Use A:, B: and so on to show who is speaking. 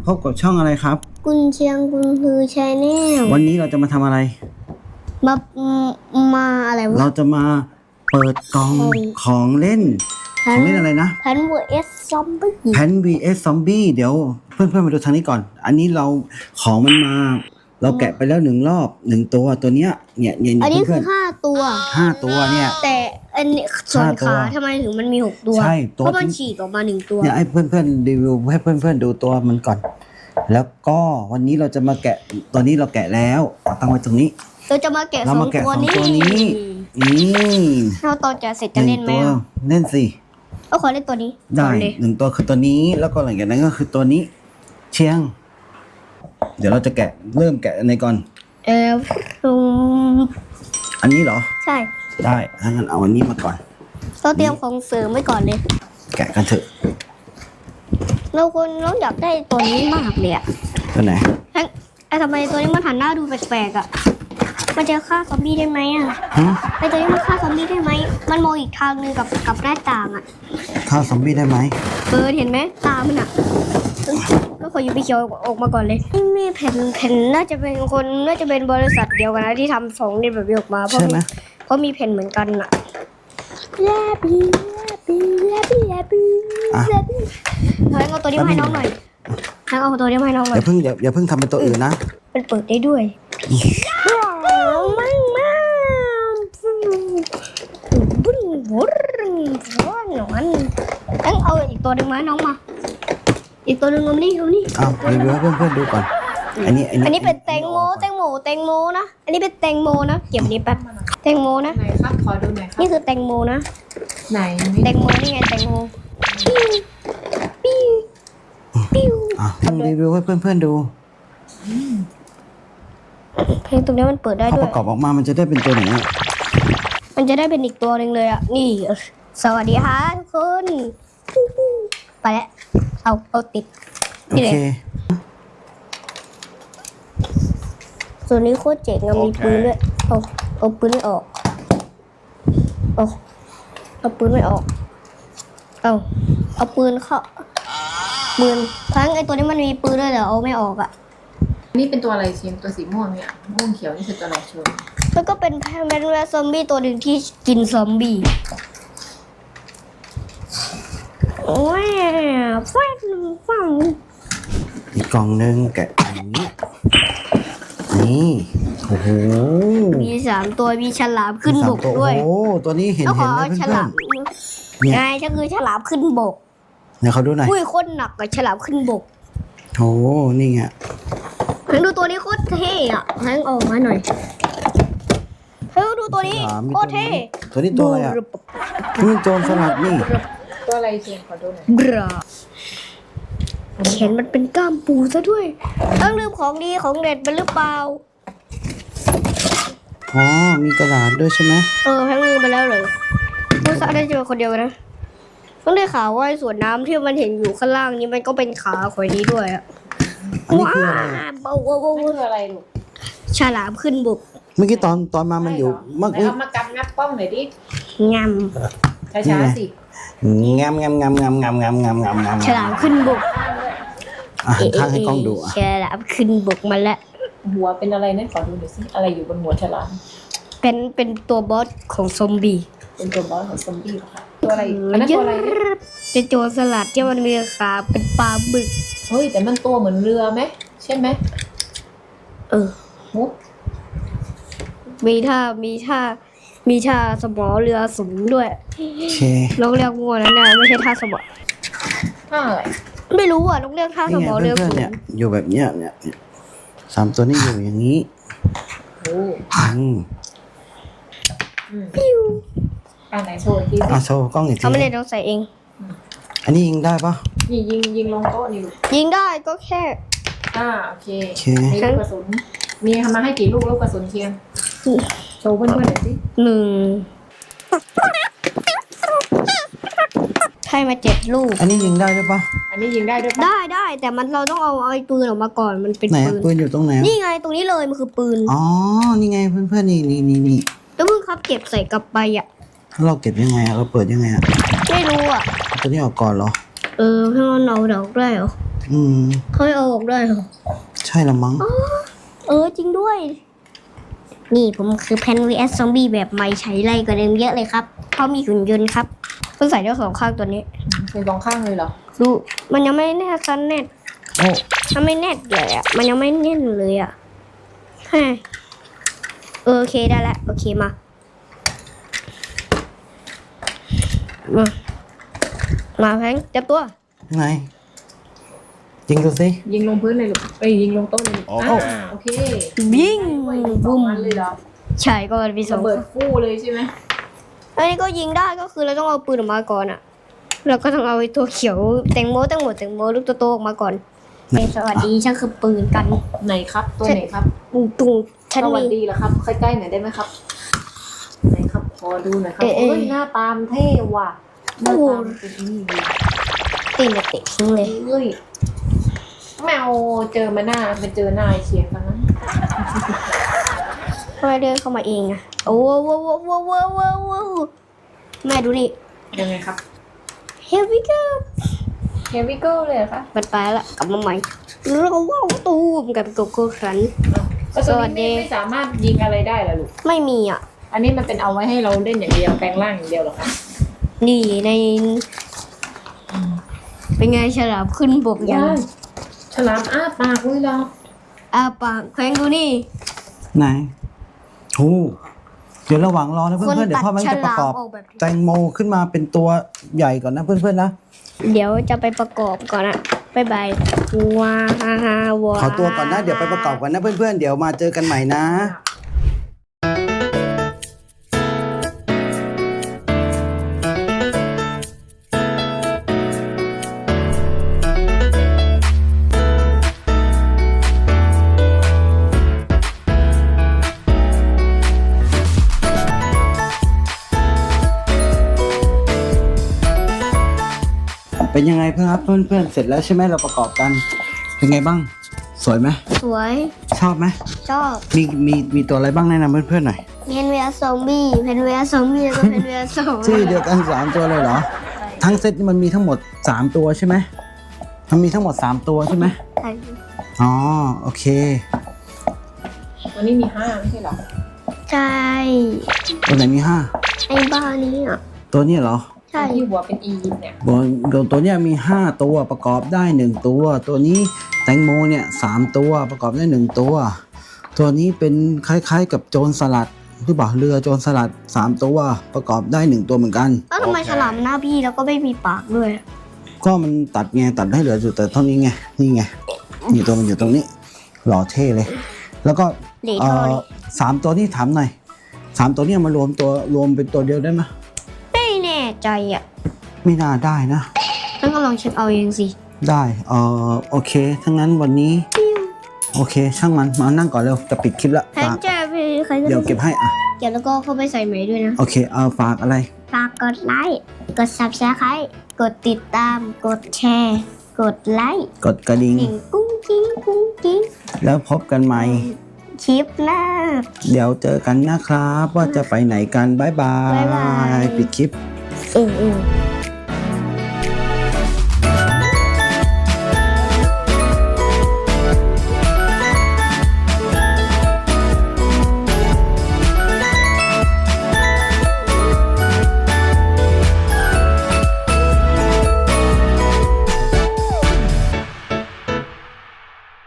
A: พบกับช่องอะไรครับ
B: กุนเชียงกุนฮือชาแนล
A: วันนี้เราจะมาทำอะไร
B: มามาอะไรวะ
A: เราจะมาเปิดกล่องของเล่นของเล่นอะไรนะ
B: แพน vs ซอมบี้
A: แพน vs ซอมบี้เดี๋ยวเพื่อนๆมาดูทางนี้ก่อนอันนี้เราของมันมาเราแกะไปแล้ว1 รอบ1 ตัวตัวเนี้ยเนี่ย
B: อันนี้คือ
A: เพื่อน
B: 5 ตัว
A: 5 ตัวเนี่ย
B: แต่อันนี้ส่วนขาทำไมถึงมันมี6 ตัว
A: ใช่
B: เพราะมันฉีกออกมา1 ตัว
A: เนี่ยให้เพื่อนๆรีวิวให้เพื่อนๆดูตัวมันก่อนแล้วก็วันนี้เราจะมาแกะตัวนี้เราแกะแล้วตั้งไว้ตรงนี้
B: เราจะมาแกะ2 ตัวนี้ถ้าตอนจะเสร็จจะเล่นไหม
A: เล่นสิ
B: ก็ขอเล่นตัวนี้
A: ได้1 ตัวคือตัวนี้แล้วก็หลังจากนั้นก็คือตัวนี้เชียงเดี๋ยวเราจะเริ่มแกะในก่อนอันนี้เหรอ
B: ใช่
A: ได้ถ้างั้นเอาอันนี้มาก่อน
B: เราเตรียมของเสริมไว้ก่อนเลย
A: แกะกันเถอะ
B: เราอยากได้ตัวนี้มากเลยอะ
A: ตัวไหน
B: ทำไมตัวนี้มันหันหน้าดูแปลกๆอะมันจะฆ่าซอมบี้ได้ไหมอะไอตัวนี้มันฆ่าซอมบี้ได้ไหมมันมองอีกทางนึงกับหน้าต่างอะ
A: ฆ่าซอมบี้ได้ไหม
B: เห็นไหมตามันอะก็ขออยู่ไปเขียวออกมาก่อนเลยนี่แผ่นน่าจะเป็นบริษัทเดียวกันนะที่ทำ2นี่แบบนี้ออกมาเพราะมีแผ่นเหมือนกันอะแลบี้เอาตัวนี้มาให้น้องหน่อยเอาตัวนี้มาให้น้องหน่อย
A: อย่าเพิ่งทำเป็นตัวอื่นนะ
B: มันเปิดได้ด้วยงั้นเอาอีกตัวหนึ่งมาน้องมาอีกตัวหนึ่งเอานี่
A: รีวิวให้เพื่อนๆดูก่อนอันนี้
B: เป็นแตงโมนะอันนี้เป็นแตงโมนะเก็บนี้แป๊บแตงโมนะ
C: ไหนครับขอดูหน่อยครับ
B: นี่คือแตงโมนะ
C: ไหน
B: แตงโมนี่ไงแตงโมปิ้ว
A: รีวิวให้เพื่อนๆดู
B: เพลงตรงนี้มันเปิดได้ด้วย
A: ประกอบออกมามันจะได้เป็นตัวไหน
B: มันจะได้เป็นอีกตัวหนึ่งเลยอ่ะนี่สวัสดีค่ะทุกคนไปแล้วเอาติด
A: โอเค
B: ส่วนนี้โคตรเจ๋งอะมีปืนด้วยเอาปืนไม่ออกเอาปืนไม่ออกเอาปืนเข้าปืนทั้งไอตัวนี้มันมีปืนด้วยแต่เอาไม่ออกอะ
C: นี่เป็นตัวอะไรเชียงตัวสีม่วงเนี่ยม่วงเขียวนี่คือตัวอะไรชน
B: แล้วก็เป็นแมนแวร์ซอมบี้ตัวหนึ่งที่กินซอมบี้โอ้ยฟัง
A: อีกกล่องนึงแกะอย่างนี้นี่โอ้โห
B: มี3 ตัวมีฉลามขึ้นบกด้วย
A: โอ้ตัวนี้เห็น
B: นะเพื่อนๆไงก็คือฉลามขึ้นบก
A: เนี่ยเขาดูหน่อย
B: อุ้ยโคตรหนักกับฉลามขึ้นบก
A: โอ้นี่ไง
B: ดูตัวนี้โคตรเท่อะให้ออกมาหน่อยดูตัวนี้โคตรเท่
A: ตัวนี้ตัวอะไรอ่ะนี่โจรสลัดนี่
C: ตัวอะไรเชียงขอดูหน่อย
B: กระเห็นมันเป็นก้ามปูซะด้วยต้องลืมของดีของเด็ดไปหรือเปล่า
A: มีกระดาษด้วยใช่ไหม
B: ทั้งลืมไปแล้วเลยผู้สร้างได้เจอคนเดียวนะต้องได้ข่าวว่าส่วนน้ำที่มันเห็นอยู่ข้างล่างนี้มันก็เป็นขาข่อยนี้ด้วยอะ
A: ว้าว
C: นี่คืออะไรลูก
B: ฉลามขึ้นบก
A: เมื่อกี้ตอนมามันอยู่
C: เอามากัดงับป้องหน่อยดิ
B: งาม
C: ช้าๆสิ
A: งาม
B: ฉลามขึ้นบก
A: ข้างให้กล้องดู
B: ฉลามขึ้นบกมาแล้ว
C: หัวเป็นอะไรนั่นขอดูหน่อยสิอะไรอยู่บนหัวฉลาม
B: เป็นตัวบอสของซอมบี้
C: เป็นตัวบอสของซอมบี้ค่ะตัวอะไรอันนั้นตัวอะไร
B: เป็นโจรสลัดที่มันมีขาเป็นปลาบึก
C: เฮ้ยแต่มันตัวเหมือนเรือไหมใช่ไหม
B: มีท่าสมอเรือสูงด้วยน้องเรียกวัวนั้นนะไม่ใช่ท่าสมอ
C: ท่าอะไร
B: ไม่รู้อ่ะน้องเรียกท่าสมอเรือสูง
A: อยู่แบบเนี้ยเนี่ย3 ตัวนี้อยู่อย่างนี้
B: ปิ้ว
C: ไหนโชว์ที
A: โชว์กล้องอีกที
B: ไม่ได้ต้องใส่เอง
A: อันนี้ยิงได้ปะ
C: ยิงลงโต๊ะนี่ลูก
B: ยิงได้ก็แค่
C: โอเคมีลูกกระสุนมีทำมาให้กี่ลูกกระสุนเชียงโชว์เพื่อนๆหน่อยสิ
B: 1ให้มา7 ลูก
A: อันนี้ยิงได้ด้วยปะ
C: อันนี้ยิงได้ด้วยปะ
B: ได้แต่เราต้องเอาไอ้ปืนออกมาก่อนมันเป็น
A: ปืนอยู่ตรงไหน
B: นี่ไงตรงนี้เลยมันคือปืน
A: นี่ไงเพื่อนๆนี่
B: แล้วมึงครับเก็บใส่กลับไปอ่ะ
A: เราเก็บยังไงเราเปิดยังไง
B: ไม่รู้อ่ะ
A: ตัวนี้ออกก่อนเหรอ
B: ให้เราเอาดอกได้เหรอเขาไม่เอาออกด้วยเหรอ
A: ใช่ละมั้ง
B: จริงด้วย นี่ผมคือแพน vs ซอมบี้แบบใหม่ใช้ไรกว่าเดิมเยอะเลยครับเพราะมีหุ่นยนต์ครับเพิ่งใส่ได้2 ข้างตัวนี้
C: เป็นสองข้างเลยเหรอ
B: ดูมันยังไม่แน่ซันแน่น
A: โอ้
B: มันไม่แน่นเลยอ่ะมันยังไม่แน่นเลยอ่ะฮะโอเคได้แล้วโอเคมามาแพงเจ็บตัว
A: ไงยิงดูสิ
C: ยิงลงพื้นเลยลูกยิงลงโต๊ะเลยลูก
A: โอ้
C: โอเค
B: ยิง
C: บุ้
B: บุ้
C: ม
B: ม
C: เลยเหรอ
B: ใช่ก็มีสอ
C: ระ
B: ง
C: เบิดฟู่เลยใช่ไหม
B: อันนี้ก็ยิงได้ก็คือเราต้องเอาปืนออกมาก่อนอ่ะเราก็ต้องเอาไอ้ตัวเขียวแตงโมลูกโตๆออกมาก่อนสวัสดีฉันคือปืนกัน
C: ไหนครับตัวไหนครับ
B: ตุงฉัน
C: สวัส
B: มี
C: ดีเหรอครับใกล้ๆหน่อยได้ไหมครับไหนครับขอดูหน่อยครับ
B: เอ๊ะ
C: เฮ้ยหน้าตามเท่ว่ะหน้าตามเป็นนี่ดี
B: ตีนเตะทิ้งเลย
C: เฮ้ยแมวเจอมาหน้าไปเจอหน้าไอ้เชียงกันนะ
B: ทำไมเดินเข้ามาเองอะโอ้โว้แม่ดูนี่
C: ยังไงครับ
B: Here we go
C: Here we go เลยเหรอคะ
B: มันไปละกลับมาใหม่เราว้าวตูมกับโกโก้ครัน
C: แล้วตัวนี้ไม่สามารถยิงอะไรได้เหรอลูก
B: ไม่มีอ่ะ
C: อันนี้มันเป็นเอาไว้ให้เราเล่นอย่างเดียวแปลงร่างอย่างเดียวเหรอคะ
B: นี่ในเป็นไงฉลามขึ้นบกยัง
C: ฉลามอ้าปากเลยเหรอ
B: ปากแขวงดูนี่
A: ไหนโอ้เดี๋ยวระหว่างรอนะ
B: คน
A: เพื่อนๆเดี๋ย
B: ตั
A: ว
B: ด
A: พ่อมัน
B: ฉ
A: จะประ
B: ลาม
A: กอบ
B: ออกแบบ
A: แตงโมขึ้นมาเป็นตัวใหญ่ก่อนนะเพื่อนๆนะ
B: เดี๋ยวจะไปประกอบก่อนอะบ๊ายบายว้าวว้า
A: ขอตัวก่อนนะเดี๋ยวไปประกอบกันนะเพื่อนๆเดี๋ยวมาเจอกันใหม่นะ เป็นยังไงเพื่อนครับเพื่อนๆเสร็จแล้วใช่ไหมเราประกอบกัน เป็นไงบ้าง สวยไหม
B: สวย
A: ชอบไหม
B: ชอบ
A: มีตัวอะไรบ้างแนะนำเพื่อนๆหน่อย
B: เพนเวียซอมบี้เพนเวียซอมบี้แล้วก็เพนเวียซอม
A: ชื่อเดียวกัน3ตัวเลยเหรอ ทั้งเซตนี่มันมีทั้งหมด3ตัวใช่ไหมมันมีทั้งหมด3ตัวใช่ไหมอ๋อโอเค
C: วันนี้มี5ไม่ใช่เหรอ
B: ใช่
A: ตัวไหนมี
B: ไอ้บ้านี้อ่ะ
A: 5ตัวนี้เหรอ
B: ใช่
C: ที่หัวเป็นอียิปต์เนี่ย
A: ตัวเนี้ยมี5ตัวประกอบได้1ตัว ตัวนี้แตงโมเนี่ย3ตัวประกอบได้1ตัว ตัวนี้เป็นคล้ายๆกับโจรสลัดหรือเปล่าเรือโจรสลัด3ตัวประกอบได้1ตัวเหมือนกัน
B: แล้วทำไมฉลามหน้าบี้แล้วก็ไม่มีปากด้วย
A: ก็มันตัดไงตัดให้เหลืออยู่แต่เท่านี้ไงนี่ไงนี่ตัวมันอยู่ตรงนี้หล่อเท่เลย แล้วก็
B: เหล่เท่านี้
A: 3ตัวนี้ถามหน่อย3ตัวนี้มารวมเป็นตัวเดียวได้ไหม
B: ไม่แน่ใจอ่ะ
A: ไม่น่าได้นะ
B: งั้นก็ลองเช็คเอาเองสิ
A: ได้โอเคถ้างั้นวันนี้โอเค ช่างมันมานั่งก่อนเร็วจะปิดคลิปแล้ว
B: แพนแจะไปใครก็
A: เดี๋ยวเก็บให้อ่ะ
B: เก็บแล้วก็เข้าไปใส่ไหมด้วยนะ
A: โอเคฝากอะไร
B: ฝากกดไลค์ กด subscribe กดติดตาม กดแชร์ กดไลค์
A: กดกระดิ่ง
B: หนึ่งกุ้งกิ้งกุ้งกิ้ง
A: แล้วพบกันใหม่
B: คลิปหน้า
A: เดี๋ยวเจอกันนะครับ ว่าจะไปไหนกันบ๊ายบา
B: บ๊ายบาย
A: ยปิดคลิป
B: เออ